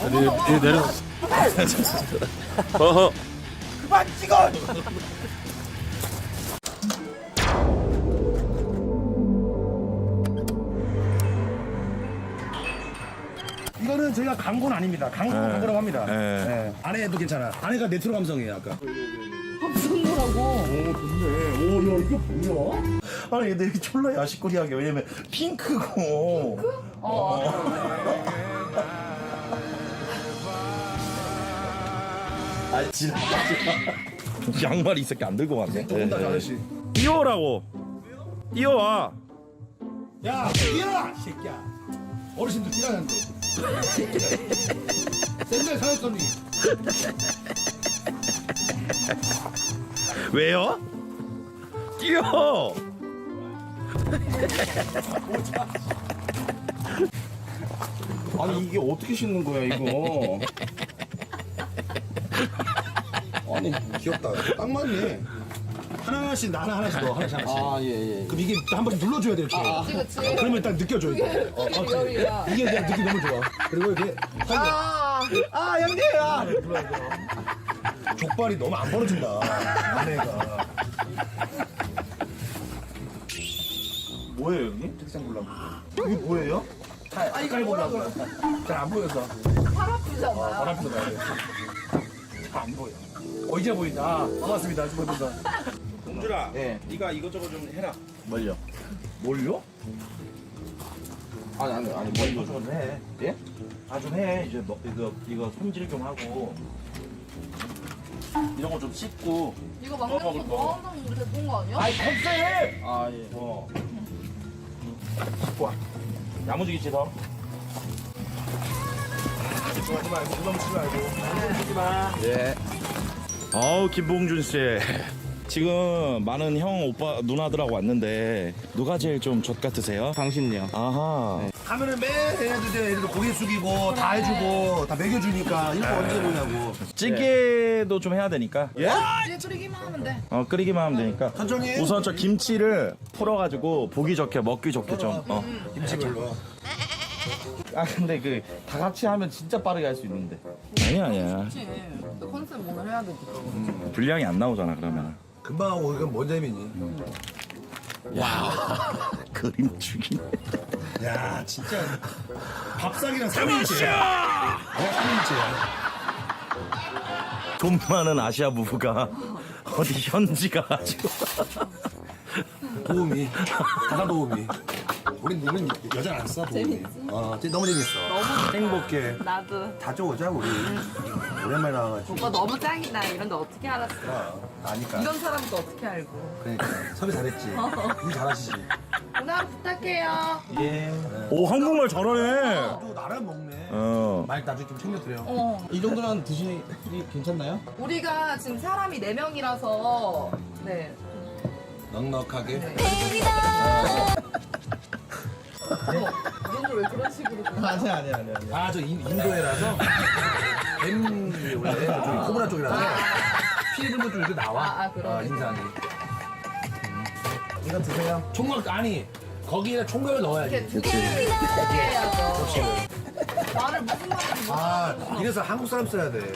뒤에 내려. 어허. 그만 찍어. 이거는 저희가 광고는 아닙니다. 광고라고 합니다. 네. 아내도 괜찮아. 아내가 네트로 감성이에요 아까. 감성이라고. 오 좋네. 오야 이게 뭐야? 아니 근데 이게 졸라 야식거리하게 왜냐면 핑크고. 아 지랄하지 마. 양말 이 새끼 안 들고 왔네. 온다 아저씨. 뛰어라고. 뛰어와. 야 뛰어라 이 새끼야. 어르신들 뛰라는데. 센날 사였더니. 왜요? 뛰어. 아니 이게 어떻게 신는 거야 이거? 아니 귀엽다. 딱 맞네. 하나씩 나 하나씩 넣어 하나씩. 아, 예, 예. 그럼 이게 한 번씩 눌러줘야 돼 이렇게. 그치. 그러면 딱 느껴져 이게. 여기가. 이게 그냥 느낌 너무 좋아. 그리고 이게 아, 형님아. 족발이 너무 안 벌어진다. 아내가. 뭐예요 형님? 책상 보려고. 이게 뭐예요? 이거 뭐라고요? 잘안 보여서. 팔 아프잖아. 발 앞에서 봐야 돼. 잘안 보여. 이제 보인다. 고맙습니다. 고맙습니다. 공주라. 예. 네가 이것저것 좀 해라. 뭘요? 뭘요? 아니, 뭘요? 좀 해. 예? 아 좀 해. 이제 뭐 이거 손질 좀 하고 이런 거 좀 씻고. 이거 막내가 먹을 거. 뭐 한다고 우리 대본 거 아니야? 아이 컨셉. 아, 예. 씻고 와. 야무지게 씻어. 하지 말고 부담 치지 말고. 하지 마. 예. 아우 김봉준 씨. 지금 많은 형 오빠 누나들하고 왔는데 누가 제일 좀 젖 같으세요? 당신요. 아하. 하면은 매일 해도 돼. 애들 고개 숙이고 다 해주고 다 먹여주니까 이거 언제 보냐고. 찌개도 좀 해야 되니까. 예? 이제 끓이기만 하면 돼. 끓이기만 하면 되니까. 천천히 해. 우선 저 김치를 풀어가지고 보기 좋게 먹기 좋게 좀. 김치별로. 아, 근데 그 다 같이 하면 진짜 빠르게 할 수 있는데. 아니야. 그치. 너 컨셉 오늘 해야 되지. 분량이 안 나오잖아 그러면. 금방 하고 이건 뭔 재미니? 그림 죽이네. 야 진짜 밥상이랑 3일째. 내가 3일째야. 돈 많은 아시아 부부가 어디 현지 가가지고. 도우미. 가사 도우미. 우리는 여자 안 써. 도우미. 너무 재밌어. 행복해. 나도. 다 쪼고자 우리. 오랜만에 나와가지고. 오빠 너무 짱이다. 이런데 어떻게 알았어? 아니까. 이런 사람도 어떻게 알고? 그러니까 섭외 잘했지. 일 잘하시지. 오늘 하루 부탁해요. 예. 오 한국말 잘하네. 또 나랑 먹네. 말 나중에 좀 챙겨드려. 이 정도는 드시기 괜찮나요? 우리가 지금 사람이 4명이라서 네. 넉넉하게. 네. 이런걸 왜 그런 식으로 아니야. 아, 저 인도에라서 뱀이 원래 저기 코브라 쪽이라서 피해들도 좀 이렇게 나와. 그러네. 인상이. 이거 드세요. 총각 아니 거기에 총각을 넣어야지. 이렇게 두 개를 해야죠. 말을 무슨 말인지 아, 이래서 한국 사람 써야 돼.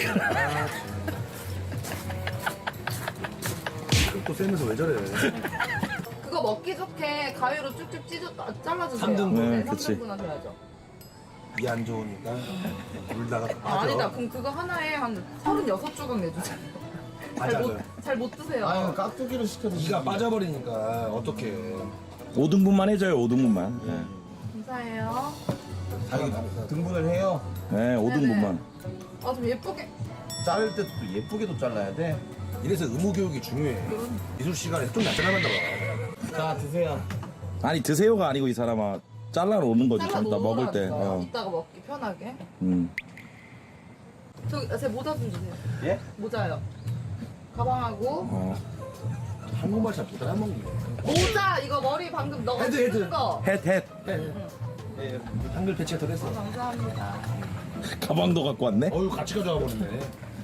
또 쌤에서 왜 저래? 그거 먹기 좋게 가위로 쭉쭉 잘라주세요. 3등분. 네, 그치. 3등분 하셔야죠. 이 안 좋으니까 울다가 아, 아니다. 빠져. 그럼 그거 하나에 한 36조각 내주세요. 맞아요. 잘 못 드세요. 아니, 깍두기를 시켜 드시기. 이가 빠져버리니까 어떡해. 5등분만 해줘요 5등분만. 네. 감사해요. 등분을 해요. 네 5등분만. 아, 좀 예쁘게. 자를 때도 또 예쁘게도 잘라야 돼. 이래서 의무교육이 중요해. 미술 시간에 좀 낯설만다고. 자, 드세요. 아니 드세요가 아니고 이 사람아 잘라놓는 거지 좀 이따 잘라 먹을 때. 놓으라니까. 이따가 먹기 편하게. 저기, 제 모자 좀 주세요. 예? 모자요. 가방하고. 한국말 잘 못하나 먹는 거. 모자! 이거 머리 방금 너가 헤드. 쓴 거. 햇 예, 한글 배치가 덜 했어. 감사합니다. 가방도 갖고 왔네. 어유 같이 가져와 버렸네.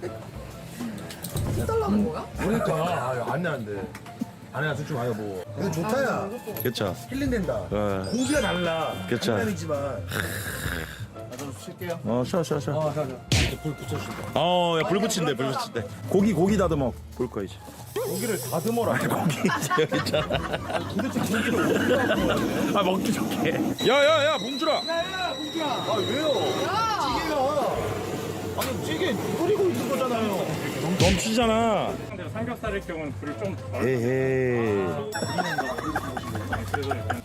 해달라는 거야? 그러니까 아유 안 나는데. 아내가 솔직히 와요 뭐. 이거 좋다야. 그쵸. 힐링된다. 어. 공기가 달라. 그쵸. 장난이지만. 어, 쉬어. 자. 이제 불 붙여주신다. 어, 야, 불 붙인대. 고기 다듬어. 볼 거야, 이제. 고기를 다듬어라. 고기 이제 여기 있잖아. 도대체 고기를 어디다 먹어? 아, 먹기 좋게. 야, 봉준아. 아 왜요? 야! 찌개가 아니 찌개 끓이고 있는 거잖아요. 넘치잖아. 상대로 삼겹살일 경우는 불을 좀 덜. 에헤이. 그래서 약간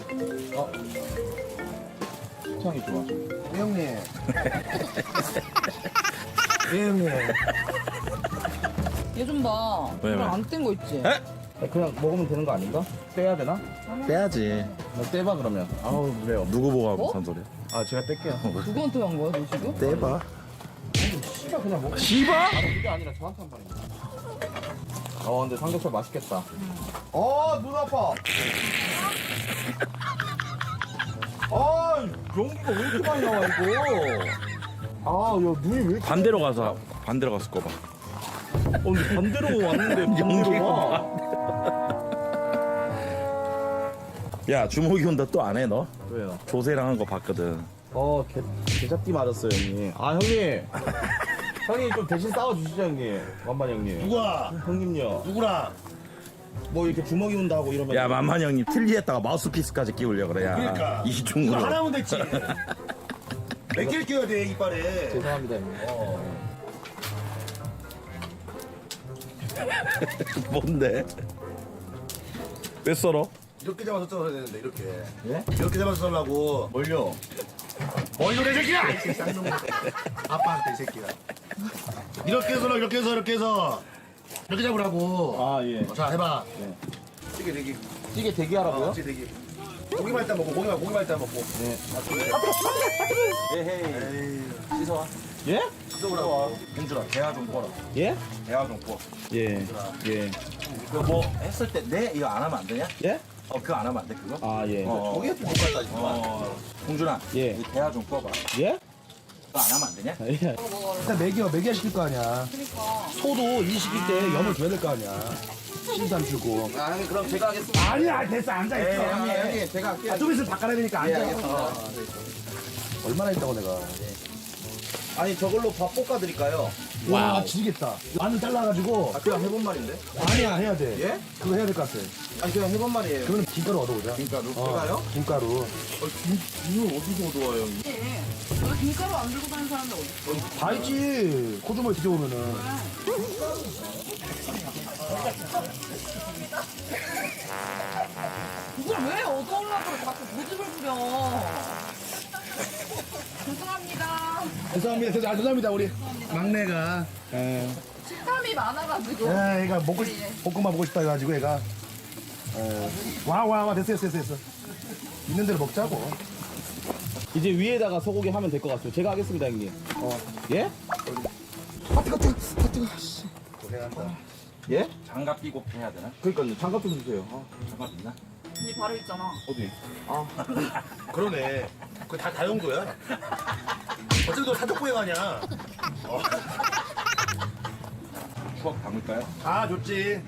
식창이 좋아. 형님. 형님. 얘 좀 봐. 왜? 이거 안뗀 거 있지? 에? 그냥 먹으면 되는 거 아닌가? 떼야 되나? 빼야지. 나 떼봐 그러면. 아우 그래요. 누구 보고 뭐? 무슨 소리야? 아 제가 뗄게요. 누구한테 한 거야, 너 지금? 떼봐. 씨가 그냥 먹어. 씨바? 아 그게 아니라 저한테 한 말입니다. 근데 삼겹살 맛있겠다. 눈 아파. 연기가 왜 이렇게 많이 나와 이거? 야 눈이 왜 이렇게? 반대로 가서 꼽아. 근데 반대로 왔는데 연기가 와. 야, 주목이 온다 또 안 해, 너? 왜요? 조세랑 한 거 봤거든. 개잡기 맞았어요 형님. 형님. 형님 좀 대신 싸워주시죠 형님. 완반 형님. 누가? 형님요. 누구랑? 뭐 이렇게 주먹이 온다고 이러면. 야, 만만 형님 틀리했다가 마우스피스까지 끼우려 그래. 야, 그러니까. 이중으로. 이거 하나면 됐지. 몇 개를 끼워야 돼, 이빨에. 죄송합니다 형님. 뭔데? 왜 썰어? 이렇게 잡아서 썰어야 되는데, 이렇게. 예? 이렇게 잡아서 썰라고. 뭘요? 뭘로 내 새끼야! 이 쌍놈. 아빠한테 이 새끼야. 이렇게 해서, 이렇게 해서, 이렇게 해서. 이렇게 잡으라고. 예. 자, 해봐. 네. 찌개 대기. 찌개 대기하라고요? 찌개 대기. 고기만 일단 먹고, 고기만 일단 먹고. 네. 에헤이. 씻어와. 예? 씻어보라고. 봉준아, 대화 좀 꺼라. 예? 대화 좀 꺼. 예. 예. 그거 뭐 했을 때 네? 이거 안 하면 안 되냐? 예? 그거 안 하면 안 돼, 그거? 예. 저게 못 갔다니까. 봉준아, 예. 이 대화 좀 꺼봐. 예? 그거 안 하면 안 되냐? 예. 일단 먹여 시킬 거 아니야. 그러니까. 소도 이 시기 때 염을 줘야 될 거 아니야. 신단 주고. 형님 그럼 제가 하겠습니다. 아니야, 됐어, 앉아있어. 형님 제가 할게요. 좀 있으면 밥 깔아야 되니까 앉아. 알겠습니다. 얼마나 있다고 내가. 아니 저걸로 밥 볶아드릴까요? 와, 지겠다. 마늘 잘라가지고. 그냥 해본 말인데? 아니야, 해야 돼. 예? 그거 해야 될 것 같아. 아니 그냥 해본 말이에요. 그러면 김가루 얻어보자. 김가루? 어, 제가요? 김가루. 이거 어디서 얻어와요? 너 김가루 안 들고 다니는 사람들 어디 다 있지. 코주머니 뒤져보면은. 이걸 왜 얻어오려고 자꾸 고집을 부려. 죄송합니다. 죄송합니다, 우리. 막내가. 식탐이 많아가지고. 얘가 볶음밥 먹고 싶다 해가지고 얘가. 와, 됐어. 있는 대로 먹자고. 이제 위에다가 소고기 하면 될 것 같아요. 제가 하겠습니다 형님. 예? 고생한다. 예? 장갑 끼고 해야 되나? 그러니까요. 장갑 좀 주세요. 장갑 있나? 네 바로 있잖아. 어디? 그러네. 그거 다 다용도야. 어차피 너 사족보행 아니야. 추억 담을까요? 아, 좋지.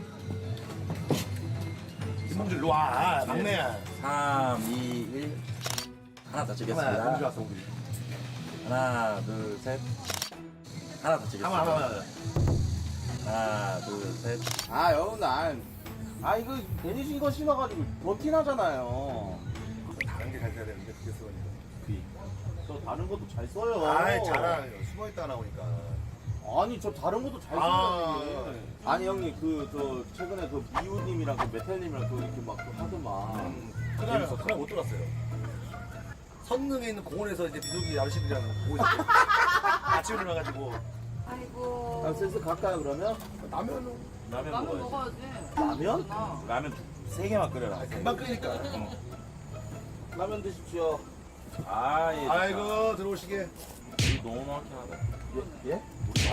김봉준 일로 와. 막내야. 3, 2, 1. 하나 더 하나, 찍겠습니다. 봉준 왔어, 봉준. 하나, 둘, 셋. 하나 더 찍겠습니다. 하나. 하나, 둘, 셋. 형 이거 괜히 이거 신어가지고 버티나잖아요. 다른 게 잘 돼야 되는데, 그게 쓰니까. 저 다른 것도 잘 써요. 아이, 잘하. 숨어있다 나오니까. 아니 저 다른 것도 잘 아. 써요. 아니 형님 저 최근에 그 미우님이랑 그 메텔님이랑 그 이렇게 막 하더만. 그날 못 들었어요. 선릉에 있는 공원에서 이제 비둘기 아저씨들이랑 보고 있어요. 아침에 일어나가지고. 아이고. 슬슬 갈까요 그러면? 라면은 라면 먹어야지. 라면? 아, 라면 3개만 끓여라. 금방 끓이니까. 라면 드십시오. 아, 예. 아이고, 들어오시게. 우리 너무 막히하다. 예?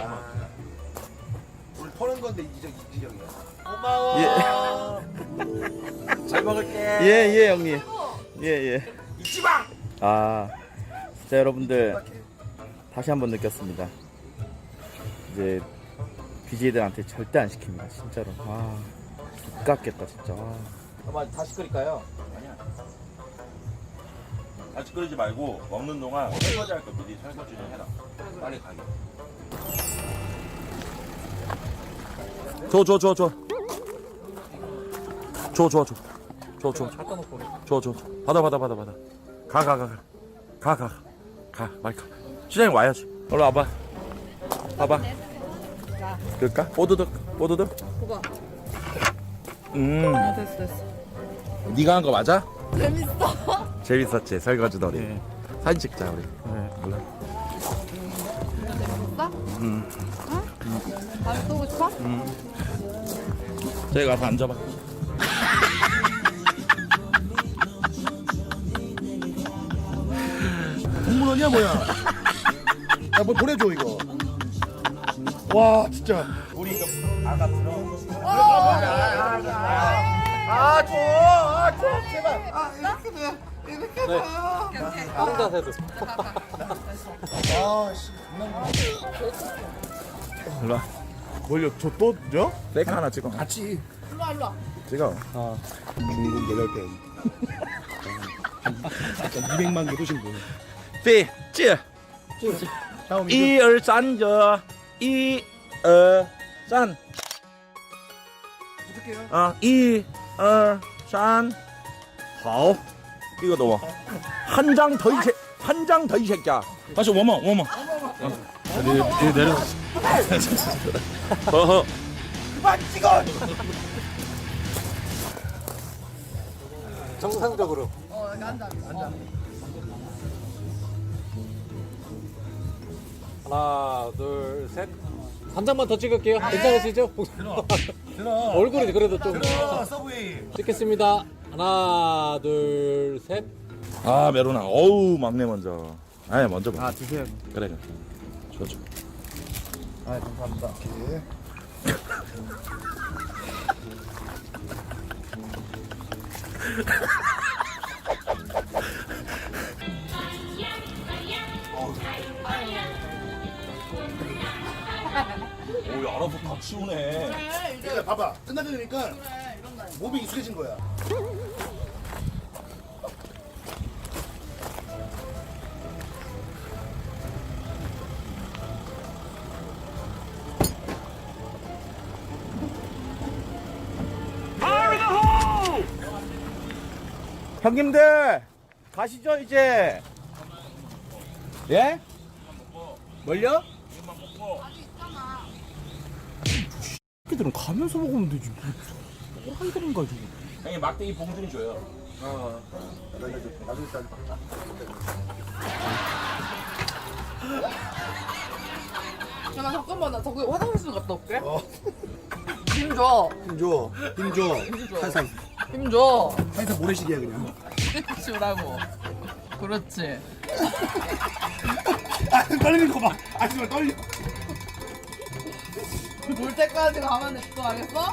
오늘 퍼는 건데 이지정이야. 고마워. 잘 먹을게. 예, 형님. 예. 잊지 마. 자, 여러분들 다시 한번 느꼈습니다. 이제 BJ들한테 절대 안 시킵니다, 진짜로. 깝겠다, 진짜. 다시 끓일까요? 같이 끓이지 말고 먹는 동안 설거지 할 거 미리 설거지 좀 해라. 빨리 가게. 줘. 받아. 가. 마이크. 시장에 와야지. 얼른 와봐. 봐봐. 그럴까? 뽀드득. 그거. 됐어. 네가 한 거 맞아? 재밌어. 재밌었지 설거지 놀이. 사진 찍자 우리. 몰라. 재밌어? 응? 다시 또 오고 싶어? 저기 가서 앉아봐. 공무원이야 뭐야? 야 뭐 보내줘 이거. 와 진짜. 우리 이거 아가 들어. 제발. 다른 자세도. 아씨. 일로 와. 뭘요? 저또 죠? 셀카 하나 찍어. 같이. 일로 와. 찍어. 중국 여덟 개. 200만 개도 신고. 对，这 다음 1、2、3저 1、2、3 아, 1、2、3好 이거 넣어. 한 장 더 이 새끼야. 다시 워머. 내려. 허허. 정상적으로. 여기 앉아. 하나, 둘, 셋. 한 장만 더 찍을게요. 괜찮으시죠? 얼굴이 그래도 좀 서브웨이. 찍겠습니다. 하나, 둘, 셋. 아, 메로나. 어우, 막내 먼저. 아니, 먼저 봐. 드세요. 그래. 줘. 아, 감사합니다. 오, 알아서 다 치우네. 그러니까 봐봐. 끝나게 되니까 몸이 익숙해진 거야. 형님들 가시죠 이제. 예? 뭘요? 새끼들은 가면서 먹으면 되지. 뭘 하이들인가 지금. 형님, 막대기 봉준이 줘요. 나 잠깐만 나 저기 화장실 좀 갔다 올게. 힘 줘. 힘줘. 살살. 힘 줘. 살살 모래시계야 그냥. 힘 주라고. 그렇지. 떨리는 거 봐. 정말 떨려. 물 때까지 가만히 있어 알겠어?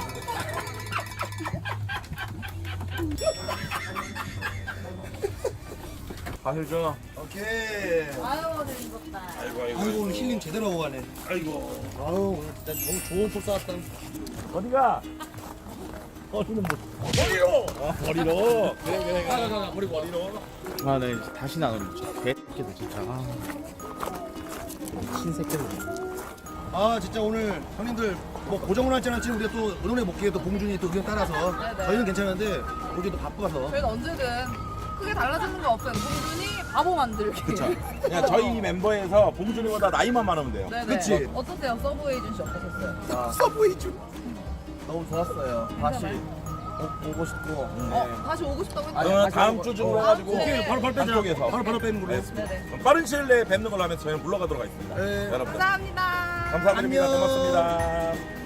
가시죠. 오케이. 아유 재밌었다. 아이고 오늘 힐링 제대로 하고 가네. 아이고. 아유 오늘 진짜 너무 좋은 풀 쐈다. 어디가? 어디는 뭐. 머리로. 가가 버리고 어디로. 아, 네 이제 다시는 안 올리죠. 개새끼들 진짜. 신새끼들. 아 진짜 오늘 형님들 뭐 고정을 할지 안 할지 우리가 또 은원에 먹기에 또 봉준이 또 의견 따라서 네네. 저희는 괜찮은데 우리 또 바빠서. 저희는 언제든 크게 달라지는 거 없어요. 봉준이 바보 만들기. 그냥 저희 멤버에서 봉준이보다 나이만 많으면 돼요. 네네. 그치. 어떠세요? 서브 에이전시 어떠셨어요? 서브웨이 좀. 너무 좋았어요. 다시 오고 싶고. 다시 오고 싶다고 했는데. 그러면 다음 주중으로 해가지고 오케이, 바로 빼자. 한쪽에서 바로 빼는 걸로. 네네. 빠른 시일 내에 뵙는 걸로 하면서 저희는 물러가도록 하겠습니다. 네. 여러분들 감사합니다. 감사드립니다. 안녕. 고맙습니다.